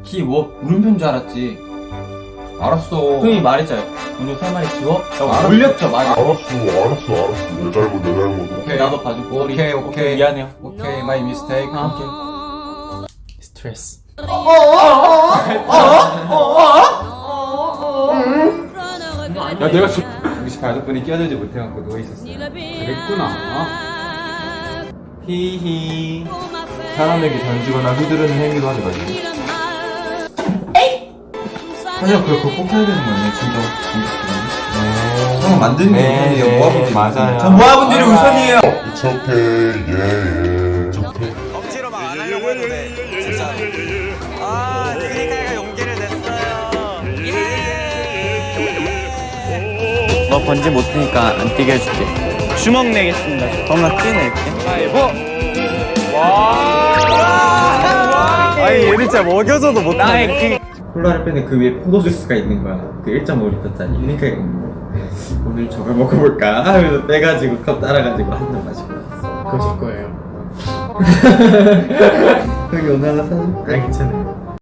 키 뭐 물음표인 줄 알았지. 알았어. 형이 말했잖아. 오늘 3마리 지워? 알았어. 올렸죠, 말이. 알았어. 내 잘못. 오케이, 나도 봐줄게. 오케이. 미안해요. 오케이, 마이 미스테이크. 오케이. 스트레스. 야, 내가 혹시 가족분이 끼어들지 못해갖고 누워있었어. 그랬구나. 히히. 사람에게 던지거나 휘두르는 행위도 하지 말고. 사실 그걸 꼭 해야 되는 거 아니야, 진짜. 형 만드는 게 우선이에요, 모아분들이. 맞아요. 전 모아분들이 우선이에요. It's okay. Yeah. 억지로 막 안 하려고 해도 돼. 진짜. 아, 트리카이가 용기를 냈어요. 너 번지 못 트니까 안 뛰게 해줄게. 주먹 내겠습니다. 그럼 나 뛰낼게. 아니, 얘는 진짜 먹여줘도 못하네. 콜라를 빼는 그 위에 포도주스가 있는 거야. 그 1.5리터짜리. 그러니까 오늘 저걸 먹어볼까 하면서 빼가지고 컵 따라가지고 한 잔 마시고 왔어. 그러실 거예요. 형이 오늘 하나 사줄까? 괜찮아요.